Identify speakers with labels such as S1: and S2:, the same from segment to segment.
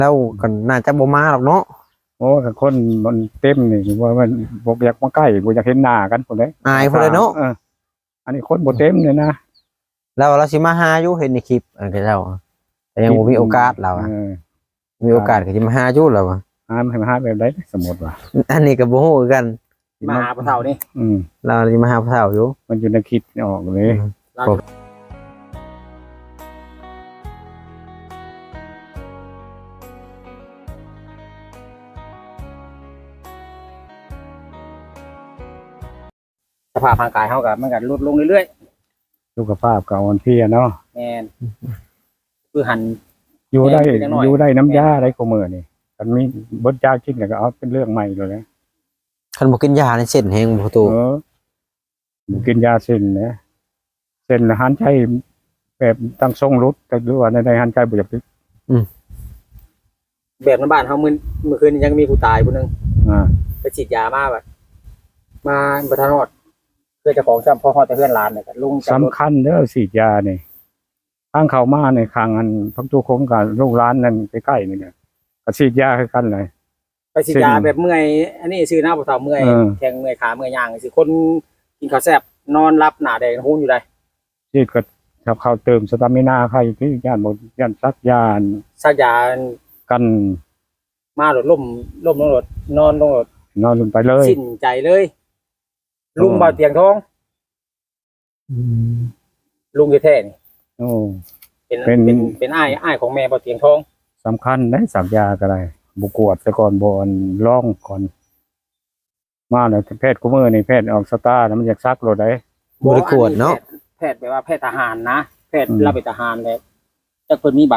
S1: แล้วก็น่าจะบ่มาหรอกเนาะ
S2: โอ้กับคนมันเต็มนี่ว่ามันบ่อยากมาใกล้บ่อยากเห็นหน้ากันพุ่นเด้
S1: อายพุ่นเลยเนาะ
S2: อันนี้คนบ่เต็มเลยนะ
S1: แล้วเราสิมาหาอยู่เห็นในคลิปอันก็เจ้าแต่ยังบ่มีโอกาสเรามีโอกาสก็สิมาหาอยู่แล้ว
S2: มาหาแบบใดสมมุติว่า
S1: อันนี้ก็บ่ฮู้คือกัน
S3: มาหาพ่อเฒ่านี่
S1: เราสิมาหาพ่อเฒ่าอยู่
S2: มันอยู่ในคิดออกเลย
S3: สภาพร่างกายเฮาก็มันก็ลดลงเรื่อย
S2: ๆสุขภาพก็อ่อนเพลียเนาะ
S3: แม่นคือหัน
S2: อยู่ได้น้ำยาได้ก็มื้อนี่คันมีเบิดยากินก็เอาเป็นเรื่องใหม่เลยนะ
S1: คันบ่กินยาในเส้นแห้งบ่ตู
S2: บ่กินยาเส้นนะเส้นอาหารใจแบบตั้งทรงรุดแต่หรือว่าในอาหารใจบ่อยาก
S3: แบบในบ้านเฮามื้อคืนยังมีผู้ตายผู้นึงไปฉีดยามาแบบมาบ่ทันฮอดเพื่อเจ้าของซ้ำพอฮอดแต่เพื่อนหลานเนี่ยก็ลุง
S2: สำคัญเด้อฉีดยานี่ทางเข้ามาในข้างอันพักตู้คงกับลูกหลานนั่นใกล้ๆนี่เนี่ยก็ฉีดยาคือกันเลย
S3: ไปฉีดยาแบบเมื่อยอันนี้ชื่อหน้าบ่เฒ่าเมื่อยแข้งเมื่อยขาเมื่อยย่างสิคนกินข้าวแซ่บนอนรับหน้าแดงหูอยู่ได้
S2: ฉีดก็ทับเข้าเติมสตามินาใครที่ย่านบ่ย่านซักยากัน
S3: มาหลดล่มลงรถนอนลงรถ
S2: ลงไปเลย
S3: สิ้นใจเลยลุงบ่เตียงทองลุงอยู่แท้นี่เป็นอ้ายของแม่บ่เตียงทอง
S2: สำคัญได้สักยาก็ได้บุกวดซะก่อนบ่ร้องก่อนมาแล้วแพทย์กูมื้อนี่แพทย์ออกสตาร์มันอยากซักรถได้
S1: บ่ได้กวดเนาะ
S3: แพทย์แปลว่าแพทย์ทหารนะแพทย์รับเป็นทหารแล้วจักเพิ่นมีใบ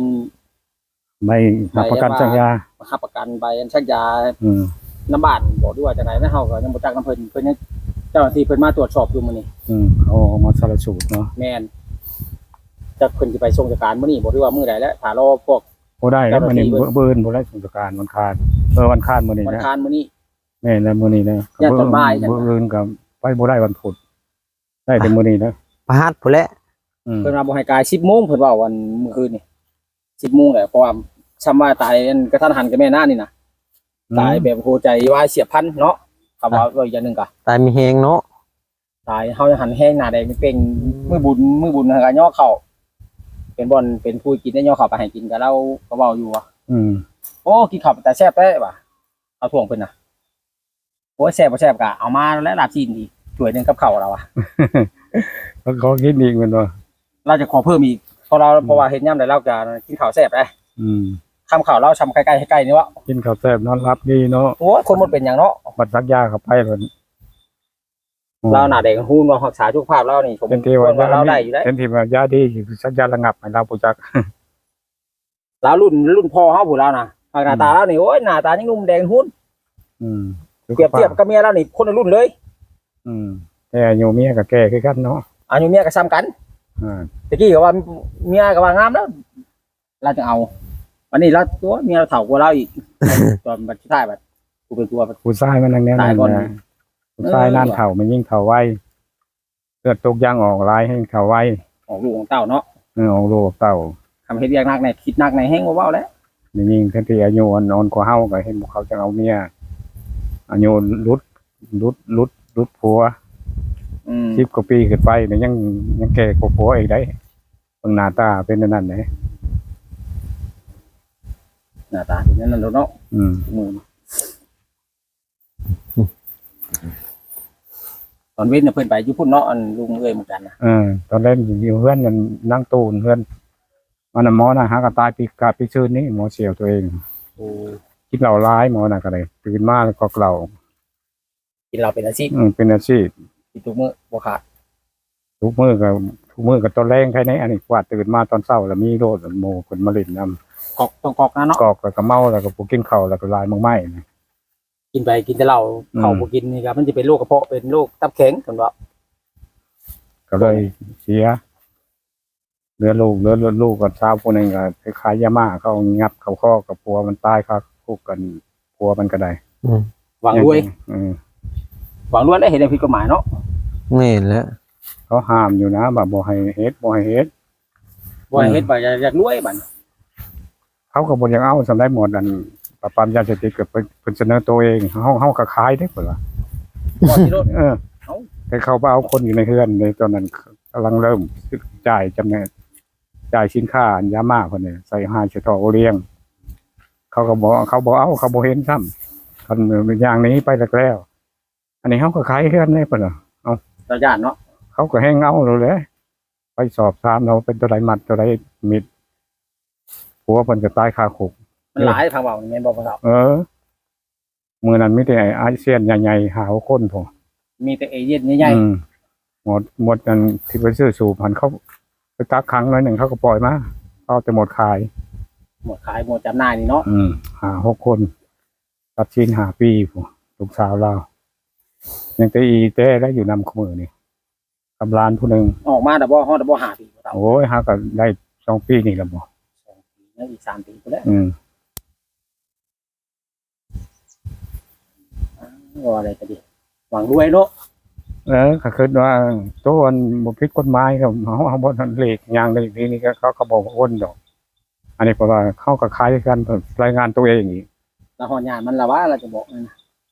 S2: รับประกันสักยา
S3: รับประกันใบสักยาน้ำบ้านบ่ด้วยว่าจังได๋นะเฮาก็ยังบ่จักนำเพิ่นยังเจ้าหน้าที่เพิ่นมาตรวจสอบอยู่มื้อนี้
S2: เอามาสารสูตรเนาะ
S3: แม่นจักเพิ่นสิไปส่งราชการมื้อนี้บ่รู้ว่ามื้อใดแล้วถ้ารอพวก
S2: บ่ได้แล้วมื้อนี้เบิ่นบ่ได้ส่งราชการวันคานวันคานมื้อนี้นะ
S3: วันคานมื้อนี้
S2: แม่นแล้วมื้อนี้นะ
S3: ย่านตอนบ่าย
S2: จังเบิ่นก็ไปบ่ได้วันพุธได้แต่มื้อนี้นะ
S1: พฤหัสพุ่นแหละ
S3: เพิ่นว่าบ่ให้กาย 10:00 นเพิ่นเว้าวันมื้อคืนนี่ 10:00 นแหละเพราะว่าซ้ำว่าตายกระทันหันกับแม่น้านี่นะตายแบบหัวใจวายเสียบพลันเนาะคำว่าอีกอย่างนึงก็
S1: ตายมีแฮงเนาะ
S3: ตายเฮาหันแห้งหน้าแดงเป่งมื้อบุญก็ย่อเข้าเป็นบ่อนเป็นผู้กินได้ย่อเข้าไปให้กินก็เราก็เว้าอยู่ว่าโอ้กินข้าวแต่แซ่บได้ว่ะเอาถ่วงเพิ่นน่ะโอ้แซ่บบ่แซ่บก็เอามาแล้วลาบซีนอีกถ้วยนึงกับข้าวเราอ่ะ
S2: ขอกินอีกแม่นบ่
S3: เราจะขอเพิ่มอีกเพราะว่าเฮ็ดยามใดเราก็กินข้าวแซ่บได้คำข่าวเราชำใกล้ๆให้ใกล้นี่วะ
S2: กินข้าวแซ่บนอนรับดีเนาะ
S3: โอ้คนมันเป็นอย่างเนาะ
S2: บัดซักยาเข้าไปเพิ่น
S3: เราหน้าแดงหูนว่ารักษาสุขภาพเรานี่ผม
S2: เป็นที่ว่า
S3: เราได้อยู่ได้
S2: เป็นที่ว่ายาดีสักยาระงับให้เราบ่จัก
S3: เรารุ่นพ่อเฮาผู้เรานะหน้าตาเรานี่โอ้ยหน้าตายังหนุ่มแดงหุ่นเปรียบเทียบกับเมียเรานี่คนละรุ่นเลย
S2: แต่อายุเมียก็แก่คือกันเนาะ
S3: อายุเมียก็ซ้ำกันตะกี้ก็ว่าเมียก็ว่างามแล้วเราจะเอาวันนี้เราตัวเมียเราเฒ่ากว่าเราอีกตอนบัดสุดท้ายบัดกูเป็นตัว
S2: ผู้ชายมันนั่นแนวนั้นนะผู้ชายนั่นเฒ่ามันยิ่งเฒ่าไวเกิดตกยางออกลายให้เฒ่าไว
S3: ออกลูกของเต้าเนาะ
S2: ออกลูกเต้า
S3: ทำเฮ็ดอย่างนักในคิดนักในแห้งบ่เว้าแล้ว
S2: ยิ่งทันทีอายุอ่อนกว่าเฮาก็เห็นเขาจะเอาเมียอายุรุดผัว10 กว่าปีขึ้นไปเนี่ยยังแก่กว่าผัวอีกได้เบิ่งหน้าตาเป็นนั่นแหละ
S3: หน้าตาเป็นนั่นเนาะตอนเว้นน่ะเพิ่นไปอยู่พุ่นเนาะอันลุงเอ้ยเหมือนกันนะ
S2: ตอนแรกอยู่เฮือนกันนั่งตูนเฮือนมันน่ะหมอน่ะหากระตายปีซื่นนี้หมอเสียวตัวเองกินเหล้าร้ายหมอน่ะก็ได้ตื่นมาแล้วก็เหล้า
S3: กินเหล้าเป็นอาชีพ
S2: เป็นอาชีพ
S3: กินทุกมื้อบ่ขาด
S2: ทุกมื้อก็ตอนแรงแค่นี้อันนี้กว่าตื่นมาตอนเช้าแล้วมีโรคโมคนมาเล่นนำ
S3: ต้องกอกนะเนาะ
S2: กอกแล้วก็เมาแล้วก็บ่กินข้าวแล้วก็ลายมังไม้
S3: กินไปกินแต่เหล้าข้าวบ่กินนี่ครับมันจะเป็นโรคกระเพาะเป็นโรคตับแข็งเพิ่นว่า
S2: ก็เลยเสียเหลือลูกกับสาวผู้นึงก็คล้ายๆยาม่าเขางับเข้าคอกับผัวมันตายครับคุกกันผัวมันก็ได้
S3: หวังรวยได้เห็นผิดกฎหมายเนาะ
S1: นี่แหละ
S2: เขาห้ามอยู่นะแบบบ่ให้เฮ็ด
S3: บ่อยากรวยบัด
S2: เขาก็บ่อยากเอาสำได้หมดอันปราบปรามยาเสพติดก็เพิ่นเสนอตัวเองเฮาก็ขายได้เพิ่นว่า
S3: บ่ที่รถ
S2: แต่เขาบ่เอาคนอยู่ในเฮือนในตอนนั้นกำลังเริ่มจ่ายจำแนกจ่ายสินค้ายามาเพิ่นเนี่ยใส่5สิทอโอเลี้ยงเขาก็บ่เขาบ่เอาเขาบ่เห็นซ้ำคันอย่างนี้ไปแล้วอันนี้เฮาก็ขายเฮือนได้เพิ่นว่า
S3: ระยะเนาะ
S2: เขาก็แห้งเอาเลยไปสอบถามเราเป็นตัวใดมัดตัวใดมิดผัวเพิ่นก็ตายคาคุก
S3: มันหลายทางเว้านี่แม่นบ่พ่อเฒ่า
S2: มือนั้นมีแต่ไอ้อาเซียนใหญ่ๆหาคนพอ
S3: มีแต่เอเย่นใหญ่
S2: หมดกันที่ไปซื้อสูบหันเขาไปตักครั้งน้อยหนึ่งเขาก็ปล่อยมาเขาจะหมดขาย
S3: ๆหมดขายหมดจำหน่ายนี่เนาะ
S2: หา6 คนตัดชิ้น5 ปีพอลูกสาวเรายังแต่อีแต่ได้อยู่นำขมือนี่กำลานผู้หนึ่ง
S3: ออกมาดับบ่ฮอดดับบ่5ปีพ่อเฒ่า
S2: โอ้ยหาก็ได้2 ปีนี่ละบ่
S3: แล้วอีก3ปีพุ่นแหละ ว่าอะไรก็ดีหวังรวยเนาะ
S2: ก็คิดว่าตัวมันบ่ผิดกฎหมายครับเขาบ่ทันเลขอย่างเลขนี่ก็เขาบอกว่าอ้นดอก อันนี้เพราะว่าเขาก็คล้ายกันรายงานตัวเองอีก
S3: แล้วฮอดญาติมันละว่าเราจะบอกนั่นนะ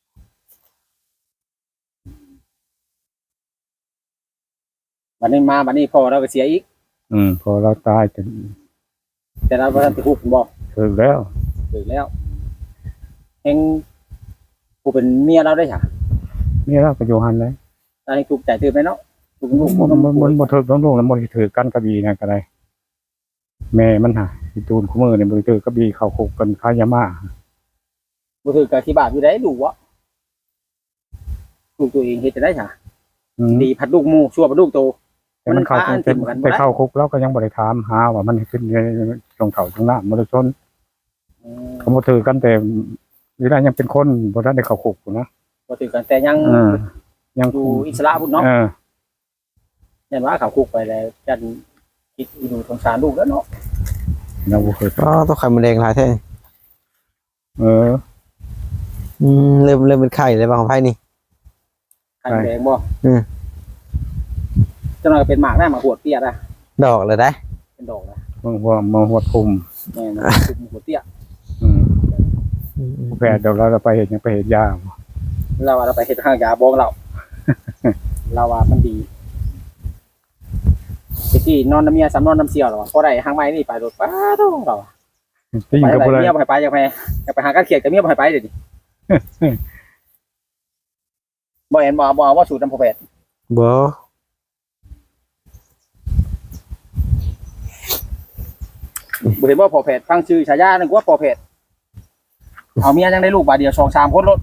S3: บัดนี้มาบัดนี้พ่อเราก็เสียอีก
S2: พอเราตายจะ
S3: แต่เราบ่ทันสิฮู้บ่
S2: ถึงแล้ว
S3: ถึงแล้วเฮงผู้เป็นเมียเราได้ค่ะ
S2: นี่เราก็อยู่หันเลย
S3: ตอนนี้ถูกใจตื่นไหมเนาะถูกลูก
S2: มันบ่ถึกต้องลงแล้วบ่ถือกันกระบี่นะก็ได้แม่มันหาอีตูนคู่มือนี่บ่ถือกระบี่เข้าคุกกันค้ายามา
S3: บ่ถือกับที่บาปอยู่ได้ลูกวะลูกตัวเองเฮ็ดจะได้ค่ะดีพัดลูกหมู่ชั่วพัดลูกโต
S2: แต่มันเข้าไปเข้าคุกแล้วก็ยังบ่ได้ถามหาว่ามันขึ้นในตรงเขาตรงหน้าบ่ได้ชนเขาบ่ถือกันแต่เวลายังเป็นคนบ่ทันได้เข้าคุกนะ
S3: บ่ถือกันแต่ยัง
S2: ยัง
S3: อยู่อิสระพุ่นเนาะยันว่าเขาคุกไปแล้วจันคิดอีดูสงสารลูกแล้วเนาะ
S2: เราบ่เคย
S1: ก็ต้องไข่มดแดงหลายแท้ เริ่มเป็นไข่เลยบางของไพ่นี่
S3: ไข่แดงบ่จังหน่อยเป็นหมากได้หมากหัวเตี้ยได้
S1: ดอกเลยได้
S3: เป็นดอกนะ
S2: มาหัวคุม
S3: แม่นะคุมหัวเตี้ย
S2: แพทย์เดี๋ยวเราไปเห็นยังไปเห็นยา
S3: เราว่าเราไปเฮ็ดห้างยาบ้องเรา เราว่ามันดีที่นอนน้ำเมียสำนอนน้ำเสียวหรอพอได้ห้างไม้นี่ไปรถป้าต้องเรา
S2: ที่
S3: ไป
S2: กับ
S3: ไหน
S2: อะไร
S3: เมียไปอยากไปหาการเขียดกับเมียไปเดี๋ยวนี้บ่เห็นบ่ว่าสูตรน้ำพอแพทย์
S1: บ่
S3: บ่เห็นว่าพอแพทย์ฟังชื่อฉายานึกว่าพอแพทย์เอาเมียยังได้ลูกบาเดียว2-3คนรถ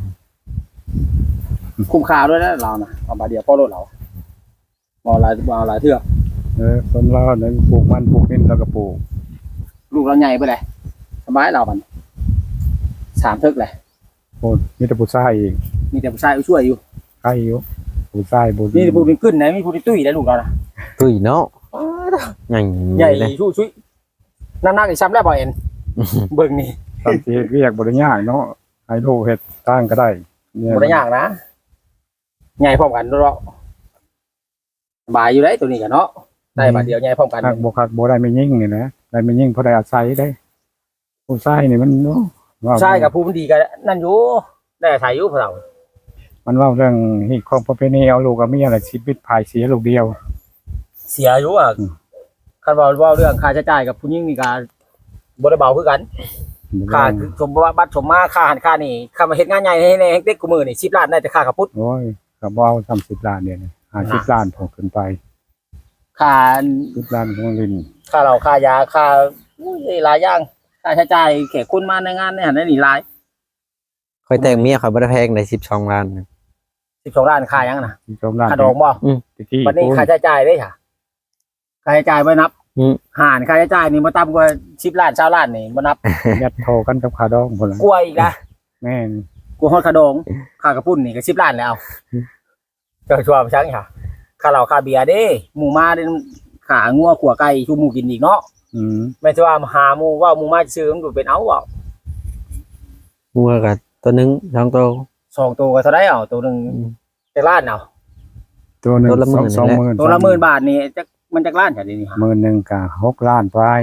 S3: คุ้มค่าด้วยนะเรานะเอาบาเดียวพอรถเราบ่หลายเทื่อ
S2: คนเราเนี่ยปลูกมันปลูกนี่แล้วก็ปลูก
S3: ลูกเราใหญ่ไปเลยสบายเราบัน3 เทิกเลย
S2: โอ้มีแต่ผู้ชายอีก
S3: มีแต่ผู้ชายช่วยอยู่
S2: ใครอยู่ผู้ชายบุญ
S3: นี่ผู้เป็นขึ้นไหนมีผู้ที่ตุ้ยได้ลูกเรานะ
S1: ตุ้ยเนาะใหญ่
S3: ใหญ่
S1: เลย
S3: ช่วยน้ำหนักอีกซ้ำแล้วบ่เอ็นเบิ่งนี่
S2: ตามที่เรียกบริญญาเนาะให้ลูกเฮ็ดตั้งก็ได้
S3: บ่ได้ยากนะใหญ่พร้อมกันเนาะสบายอยู่ได้ตัวนี้กันเนาะได้บาทเดียวใหญ่พร้อมกัน
S2: คักบ่ได้ไม่ยิ่งนี่นะได้ไม่ยิ่งเพราะได้อาศัยได้ผู้ชายนี่มันเนาะ
S3: ใช่กับผู้มันดีกันนั่นอยู่ได้อาศัยอยู่พวกเรา
S2: มันเว้าเรื่องฮีตของประเพณีเอาลูกกับเมียน่ะชีวิตภายเสียลูกเดียว
S3: เสียอยู่อ่ะคันว่าเรื่องค่าใช้จ่ายกับผู้หญิงนี่ก็บ่ได้เบาคือกันค่าสมบัติสมมาค่าหันค่านี่ค่ามาเฮ็ดงานใหญ่ให้เด็กกูมื้อนี่10 ล้านได้แต่ค่าขับพุทธ
S2: โอ้ยก็บ่เอา30 ล้านเนี่ย50 ล้านพอขึ้นไป
S3: ค่า
S2: 10 ล้านของลิน
S3: ค่าเหล้าค่ายาค่าหลายอย่างค่าใช้จ่ายแขกคนมาในงานในหันนี่หลาย
S1: ค่อยแต่งเมียค่อยบ่ได้แพงได้12 ล้าน
S3: 12 ล้านค่ายังนะ
S2: 12 ล้าน
S3: ค่าดอกบ่
S2: ตะกี้
S3: วันนี้ค่าใช้จ่ายได้ค่ะค่าใช้จ่ายบ่นับหารค่าใช้จ่ายนี่บ่ต่ำกว่า10 ล้าน20 ล้านนี่บ่นับ
S2: ยัดโทรกันกับค่าดองพุ่นล่ะ
S3: กลัวอีกนะ
S2: แม่น
S3: กลัวฮอดค่าดองค่ากระปุ้นนี่ก็10 ล้านแล้วก็ชัวร์ไปจังค่ะค่าเหล้าค่าเบียร์เด้หมู่มาเด้ขางัวขัวไก่ชูหมูกินอีกเนาะ แม่นสิว่าหาหมู่ว่าหมู่มาซื้อมันเป็นเอาเว้า
S1: งัวก็ตัวนึง2ตัว
S3: 2ตัวก็เท่าไดเอาตัวนึงจักล้านเอา
S2: ตัวหนึง
S1: ตัวละหมื่น
S2: 20,000
S3: ตัวละ10,000 บาทนี่จักมันจักล้านจ้ะเดี๋ยวนี้ฮะ
S2: 10,000นึงก็6 ล้านไป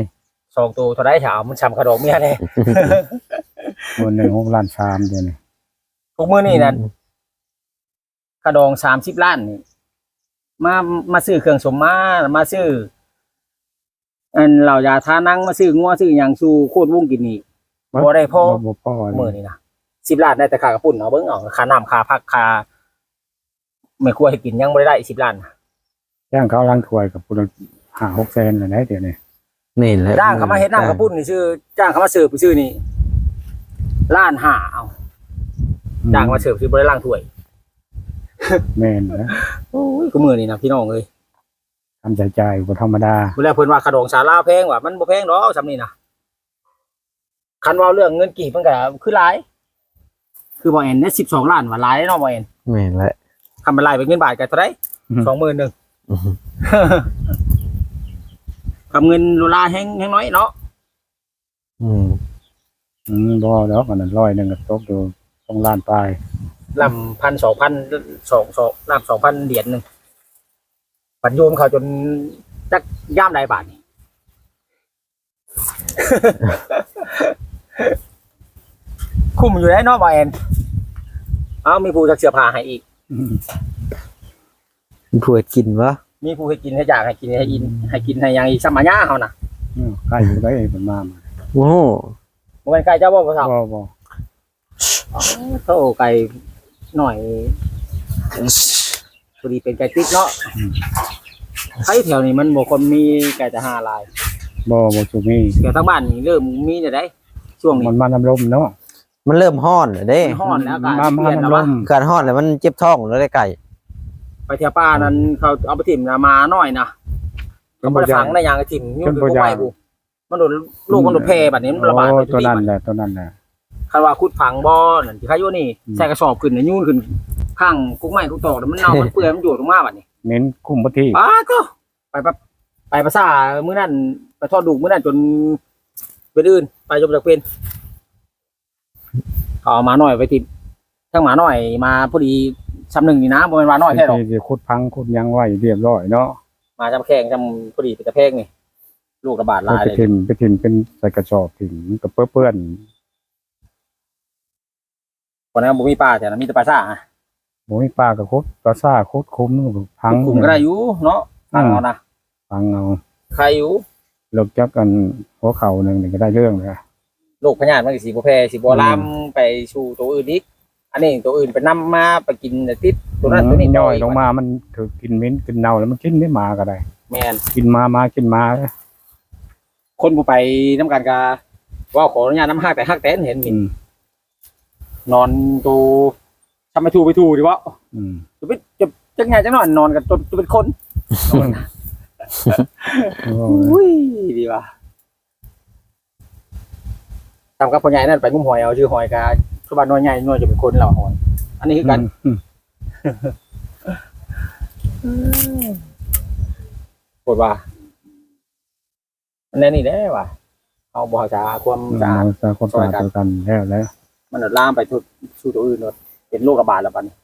S3: 2ตัวเท่าได้ถามมันช้ำกระดองเมียแน่
S2: คนหนึ่ง6.3 ล้านเดี๋ยวนี้
S3: ทุกมื้อนี่นั่นกระดอง30 ล้านนี่มาซื้อเครื่องสมมาซื้ออันเหล่ายาทานั่งมาซื้องัวซื้อหยังสู่โคตรวงกินนี่บ่ได้พอ
S2: บ่พอ
S3: มื้อนี่นะ10 ล้านได้แต่ค่ากระปุ่นเอาเบิ่งเอาค่าน้ำค่าพักค่าไม่ครัวให้กินยังบ่ได้10 ล้าน
S2: จ้างเขาล้างถ้วยกับพุ่น5-6 แสนเลยนะเดี๋ยวนี้
S1: นี่แหละ
S3: จ้างเขามาเฮ็ดน้ำกระปุ่นนี่ชื่อจ้างเขามาเสิร์ฟชื่อนี่1.5เอาจ้างมาเสิร์ฟชื่อบ่ได้ล้างถ้วย
S2: แม่นนะ
S3: โอ้ยก็มื้อนี่นะพี่น้องเอ้ย
S2: ทำใจใจบ่ธรรมดา
S3: เวลาเพิ่นว่าขนมสาลาแพงว่ะมันบ่แพงดอกซำนี้นะคันเว้าเรื่องเงินกีบมันก็คือหลายคือบ่แอนได้12 ล้านว่าหลายเนาะบ่แอน
S1: แม่นแหละ
S3: คำเป็นลายเป็นเงินบาทก็เท่าไหร่ 21,000
S1: อือฮึ
S3: กับเงินดอลลาร์แฮงน้อยเนาะ
S1: อืม
S2: บ่ดอกอันนั้น100นึงก็ตกอยู่2 ล้านปลาย
S3: ลำ1,000 2,000 2ลำ 2,000 เหรียญนึงปัจจุบันเขาจนจักย่ามใดบาทนี่ คุ้มอยู่ได้เนาะบ่แอนเอามีผู้จักเสื้อผ้าให้อีก
S1: ผู้เฮ็ดกินวะ
S3: มีผู้ให้กินให้อยากให้กินให้อินให้กินให้หยังอีกสมัญญาเฮาน่ะ
S2: ใกล้อยู่ได้เพิ่นมา
S1: โอ้โห
S3: บ่แม่นไก่เจ้าบ่พ่อสาว
S2: บ่
S3: โธ่ไก่หน่อยพอดีเป็นไก่ติ๊กเนาะไก่แถวนี้มันบ่คนมีไก่แต่5ลาย
S2: บ่สุมี
S3: แถวทางบ้านนี่เริ่มมีแต่ได้ช่วงนี้
S2: มันมาน้ำลมเนาะ
S1: มันเริ่มฮ้อนแล้วเด้
S3: มันฮ้อนแล้วอากาศ
S2: มา
S3: เปลี่ยนแล้ว
S2: น้ำล
S3: วะ
S2: ม
S1: การฮ้อนแล้วมันเจ็บท้องแล้วได้ไก่
S3: ไปเที่ยวป่านั้นเขาเอาไปถิ่มมาหน่อยนะเขาบ่ได้ฝังในหยังก็ถิ่มยุ่งอยู่บ่ไหวบุมันโดนลูกมันโดนแพร่บัดนี้มันระบาดไป
S2: ตัวนั้น
S3: ที่
S2: แหละตัวนั้นแหละ
S3: คันว่าขุดฝังบ่นั่นที่เขาอยู่นี่ใส่กระสอบขึ้นยุ่นขึ้นข้างกุ๊กไม้กุ๊กตอกแล้วมันเน่ามันเปื่อยมันอยู่ตรงมาบัดนี้
S2: เน้นคุมพื้นที่
S3: อ้าก็ไปภาษามื้อนั้นไปทอดดูกมื้อนั้นจนเป็นอื่นไปจนจากเป็นเอาหมาหน่อยไปติดทั้งหมาหน่อยมาพอดีซ้ำหนึ่งนี่นะบ่แม่นหมาน้อยแท้หรอก
S2: ที่ขุดพังขุดยังไว้เรียบร้อยเนาะ
S3: มาจำแข่งจำพอดีเป็นตะเพกนี่ลูกระบาดหลาย
S2: ไป
S3: เลย
S2: ถิ่มเป็นใส่กระสอบถิ่มกับเปื้อน
S3: คนนั้นบ่มีปลาแต่นั้นมีแต่ปลาซ่าอะ
S2: ๆบ่มีปลากับคุดปลาซ่าคุดคุ้มพัง
S3: คุมก็ได้อยู่เนาะตั้งเอานะ
S2: พังเอา
S3: ใครอยู่
S2: เลิกจักกันหัวเข่าหนึงนี่ก็ได้เรื่องเลย
S3: โรคพยาธิมันก็สิบ่แพร่สิบ่ลามไปสู่ตัวอื่นอีกอันนี้ตัวอื่นไปนำมาไปกินแต่ติดตัวนั้นตัวนี้
S2: ย่อยลงมามันถือกินเหม็นกินเน่าแล้วมันกินไม่มาก็ได้
S3: แม่น
S2: กินมากินมา
S3: คนบ่ไปนํกันก็ว่าขออนุญาตนำฮักแต่ฮักแต่เห็นนี่
S2: อืม
S3: นอนตูทำไปถูดิวะ
S2: อืม
S3: จะเป็นจะไงจะนอนกันจนจะเป็นคนอุ้ยดีว่ะทำกับพ่อใหญ่นั่นไปงุ้มหอยเอาชื่อหอยกาชาวบ้านน้อยใหญ่น้อยจะเป็นคนเราหอยอันนี้คือกันปวดว่าอันนี้ได้ว่ะเอาบ่อจาความสะอาด
S2: คนสะอาดตัวกันแล้ว
S3: มันลามไปทุกสู่ตัวอื่นเป็นโรคระบาดแล้วบัดนี้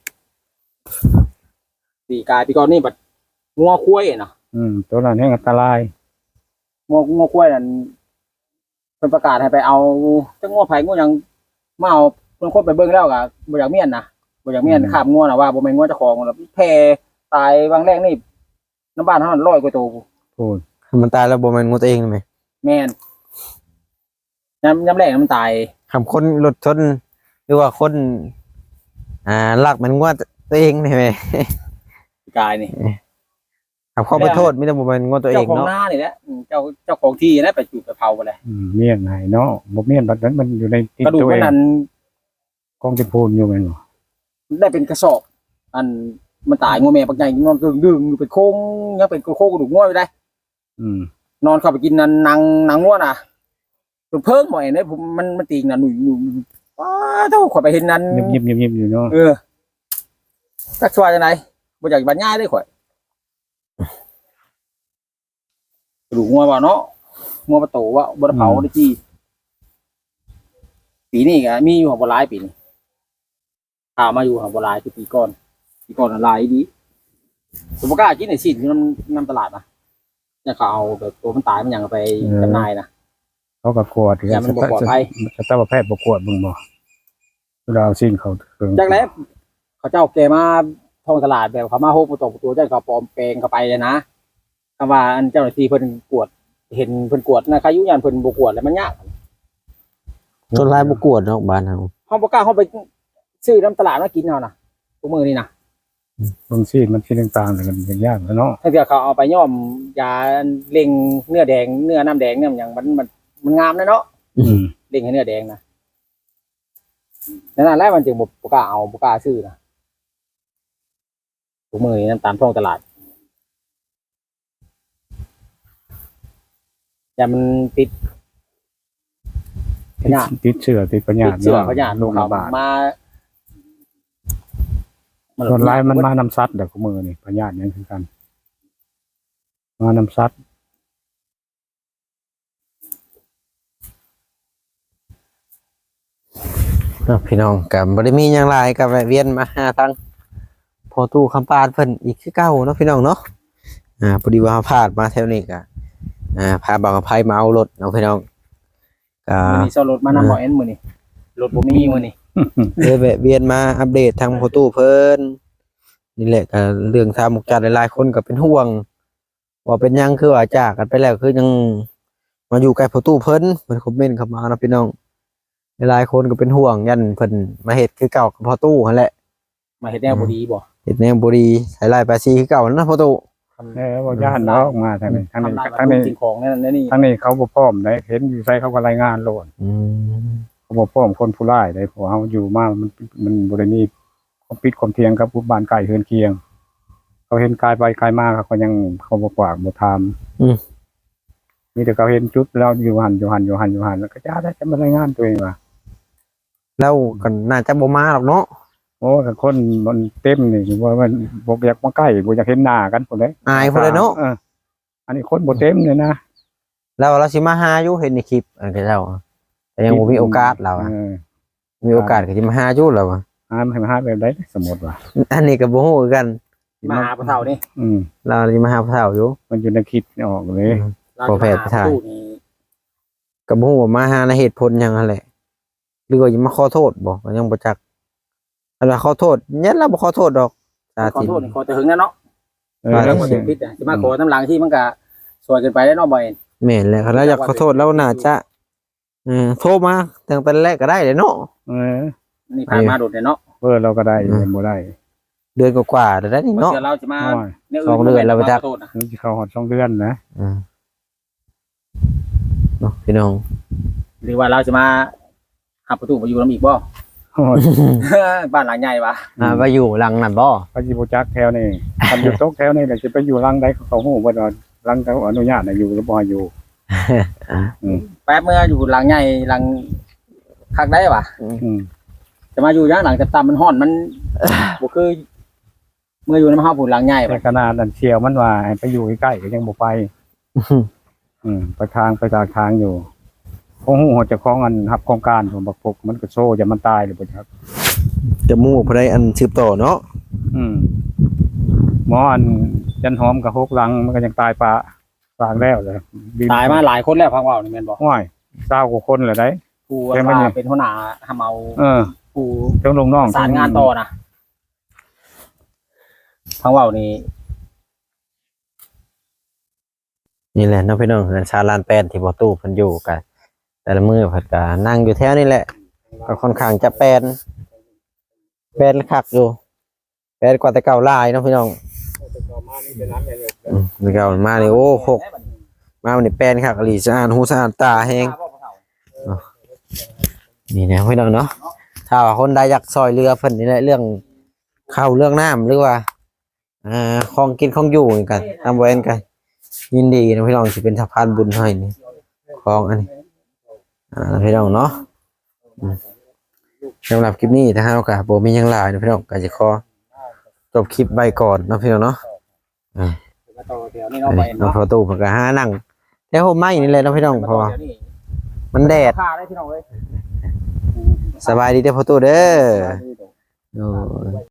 S3: ปีกายปีก่อนนี่บัดงัวคุ้ยเนาะ
S2: ตัวนั้นให้อันตราย
S3: งัวคุ้ยนั่นเป็นประกาศให้ไปเอาจังงัวไผ่งัวหยังมาเอาเพิ่นคนไปเบิ่งแล้วก็บ่อยากเมียนนะบ่อยากเมียนข้ามงัวน่ะว่าบ่แม่นงัวเจ้าของแล้วแพ้ตายบางแรกนี่น้ำบ้านเฮานั้น100กว่าตัว
S2: พูด
S1: มันตายแล้วบ่แม่นงูตัวเองไหม
S3: แม่นยามแรกมันตาย
S1: คำคนรถชนหรือว่าคนลักมันงูตัวเองนี่ไหม
S3: ปีกายนี่
S1: คำข้อไปโทษไมแต่ได้บ่แม่นงูตัวเอ
S3: เจ้าง ของ
S1: เนาะ
S3: หน้านี่แหละเจ้าของที่นะไปจุดไปเผาไปเลย
S2: เมียนไหนเนาะบ่เมียนบัดนั้นมันอยู่ในติด
S3: กระดูก
S2: ตัว
S3: มั
S2: เอน ง
S3: นั้น
S2: กองจะพูนอยู่แม่นบ่
S3: ได้เป็นกระสอบอันมันตายงัวแม่ปักใหญ่นอนดึงอยู่เป็นโค้งยังเป็นโค้งกระดูกงัวอยู่ได้ นอนเข้าไปกินนันนางงัวน่ะจนเพิ่งหน่อยเนี่ยผมมันตีงน่ะหนุ่ยว้าเท่าข่อยไปเห็นนั้น
S2: เงียบๆอยู่เนาะ
S3: จักสวายจังไดบ่อยากบรรยายได้ข่อยกระดูกงัวบ่เนาะงัวประตูว่าบ่ได้เผาได้จี้ปีนี้ก็มีอยู่หัวบ่หลายปีนี้ถามมาอยู่หัวบ่หลายคือปีก่อนน่ะหลายดีผมบ่กล้ากินไอ้ชิ้นอยู่น้ำตลาดนะเนี่ยเขาเอาแบบตัวมันตายมันหยังเอาไปจำหน่ายนะ
S2: เขาก็กวด
S3: อย่ามันบ่ปลอดภัย
S2: สัตวแพทย์บ่กวดมึงบ่เราเอาสิ้นเขาถึง
S3: จากนั้นเขาเจ้าแกมาท่องตลาดแบบเขามาโฮประตูประตูเจ้าเขาปลอมแปลงเข้าไปนะคำว่าอันเจ้าหน้าที่เพิ่นกวดเห็นเพิ่นกวดนะใครยุยันเพิ่นบ่กวดแล้วมันยาก
S1: ต้นลายบ่กวดเนาะบ้านเฮา
S3: เฮาบ่กล้าเฮาไปซื้อน้ำตลาดมากินเอานะทุกมื้อนี่นะ
S2: บางสิ้นมันสิ้นต่างๆกันยากแล้วเนาะ
S3: ถ้าเกิดเขาเอาไปย่อมยาเล็งเนื้อแดงเนื้อน้ำแดงเนี่ยมันหยังมันงามนะเนาะ เล็งให้เนื้อแดงนะนั่นแหละมันจึงบ่กล้าเอาบ่กล้าซื้อนะทุกมื้อนี้น้ำตามท้องตลาดอย่ามันติดพยาธิ
S2: ติดเชื้อติดปัญญา
S3: ติดเชื้อพยาธิ
S2: โรคระบาด
S3: มา
S2: ส่วนร้ายมันมานำซัดเดี๋ยวของมือนี่ปัญญาเนี่ยคือกันมานำซัด
S1: พี่น้องก็บ่ได้มีหยังหลายก็แวะเวียนมาหาทางพอตู้คำปานเพิ่นอีกคือเก่าเนาะพี่น้องเนาะพอดีว่าพลาดมาแถวนี้ก็พาบางอภัยมาเอารถเนาะพี่น้องก็
S3: มื้อนี้ซ่อนรถมานำบ่เอ็นมื้อนี้รถบ่มีมื้อนี้
S1: เลยแวะเวียนมาอัปเดตทางพอตู้เพิ่นนี่แหละก็เรื่องทางมุกจัดหลายๆคนก็เป็นห่วงว่าเป็นหยังคือว่าจากกันไปแล้วคือยังมาอยู่ใกล้พอตู้เพิ่นคอมเมนต์เข้ามาเนาะพี่น้องหลายๆคนก็เป็นห่วงยันเพิ่นมาเฮ็ดคือเก่ากับพอตู้นั่นแหละ
S3: มาเฮ็ดแนวบ่ดีบ่
S1: เฮ็ดแนวบ่ดีใช้ลายภาษีคือเก่านั่นนะพอตู้
S2: บ่ย่านเนาะมาทางนี้ทางนี้ทางนี้
S3: สิ่งของนั่นนี่
S2: ทางนี้เขาบ่พร้อมได้เห็นอยู่ใส่เขาก็รายงานโลด
S1: อืม
S2: เขาบ่พร้อมคนผู้ร้ายได้เพราะเฮาอยู่มามันบ่ได้มีความปิดความเทียงกับผู้บ้านใกล้เฮือนเคียง เขาเห็นกายไปกายมาเขาก็ยังเขาบ่กวากบ่ถามมีแต่เขาเห็นจุดแล้วอยู่หันแล้วก็จะได้จะมารายงานตัวเองว่า
S1: แล้วก็น่าจะบ่มาหรอกเนาะ
S2: โอ้กับคนมันเต็มนี่ว่ามันบ่อยากมาใกล้บ่อยากเห็นหน้ากันพุ่นเด้
S1: อายพุ่นเลยเนาะ
S2: อันนี้คนบ่เต็มเลยนะ
S1: แล้วเราสิมาหาอยู่เห็นในคลิปอันก็เจ้าแต่ยังบ่มีโอกาสเราอะมีโอกาสก็สิมาหาอยู่แล้วอะ
S2: ให้มาหาแบบใดสมมุติว่า
S1: อันนี้ก็บ่ฮู้คือกัน
S3: มาหาพ่อเฒ่านี่
S1: เราสิมาหาพ่อเฒ่าอยู่
S2: มันอยู่ในคลิปออกเลย
S1: พอแพทย์ไปถ่าย
S3: ตู้นี่
S1: ก็บ่ฮู้ว่ามาหาในเหตุผลหยังนั่นแหละหรือว่าสิมาขอโทษบ่ก็ยังบ่จักอันว่าขอโทษยันเราบ่ขอโทษดอกสา
S3: ขอ
S1: ธิต
S3: โทษขอแต่หึงนะเนาะ
S2: แล้ว
S3: แล้วมันผิดอ่ะสิมาขอน้ำหลังที่มันก็สวยเกินไปได้เนาะบ่เอ็น
S1: แม่นแล้วเราอยากขอโทษเราน่าจะโทรมาตั้งแต่แรกก็ได้เลยเนาะ
S3: นี่ผ่านมาโดดเนาะ
S2: เราก็ได้บ่ได้
S1: เดือนกว่าๆแล้วได้นี่เนาะ
S3: เดี๋ยวเราจะมา
S1: สองเดือนแล้วไปจัก
S3: ขอโทษนะ
S2: มันสิเข้าฮอด2เดือนนะ
S1: เนาะพี่น้อง
S3: หรือว่าเราจะมาหาประตูมาอยู่น้ำอีกบ่ บ้านหลังใหญ่ปะ
S1: ไปอยู่หลังนั่นบ่
S2: พระจิบุจักแถวนี่คันอยู่ตกแถวนี่แหละจะไปอยู่รังใดเขาฮู้บ่ว่ารังเขาอนุญาตให้อยู่หรือบ่ให้อยู่
S3: แป๊บเมื่ออยู่หลังใหญ่หลังคักได้ปะ
S2: อืม
S3: จะมาอยู่ย่างหลังต่ำๆมันห่อนมันบ่คือเมื่ออยู่น้ำห้าผุนหลังใหญ่
S2: แต่
S3: ปะ
S2: ขนาดนั้นเชียวมันว่าให้ไปอยู่ใกล้ๆก็ยังบ่ไป ไปทางอยู่คงฮู้ว่าเจ้าของอันรับโครงการของบักพกมันก็โซ่จะมันตายหรือบ่ครับ
S1: จะมู่ผู้ใดอันสืบต่อเนาะ
S2: หมออันจันหอมกับ6หลังมันก็ยังตายปางแล้วเลย
S3: ตายมาหลายคนแล้วพังว่าวนี่แม่นบ่
S2: ห้วย20กว่าคนแล้วได้
S3: ผู้ว่าเป็นหัวหน้าทำเอาผู้
S2: ทั้งลูกน้อง
S3: สารงานต่อนะพังว่าวนี่
S1: นี่แหละเนาะพี่น้องชาลานแปนที่บ่ตู้เพิ่นอยู่กันแต่ละมื้อเพิ่นก็นั่งอยู่แถวนี่แหละก็ค่อนข้างจะแปนคักอยู่แปนกว่าแต่เก่าหลายเนาะพี่น้องแต่เก่ามานี่โอ้6มานี่แปนคักอีหลีสะอาดหูสะอาดตาแฮงนี่นะพี่น้องเนาะถ้าว่าคนใดอยากซอยเรือเพิ่นนี่แหละเรื่องข้าวเรื่องน้ำหรือว่าของกินของอยู่นี่กันทำไว้กันยินดีนะพี่น้องสิเป็นสะพานบุญให้นี่ของอันนี้พี่น้องเนาะสำหรับคลิปนี้ถ้าเราก็บ่มีหยังหลายนะพี่น้องก็จะขอจบคลิปไว้ก่อนเนาะพี่น้องเนาะน้องพอตู้มันก็หานั่งแต่โฮมไม้นี่แหละเนาะพี่น้องเพราะว่ามันแดดสบายดีเด้อพอตู้เด้อ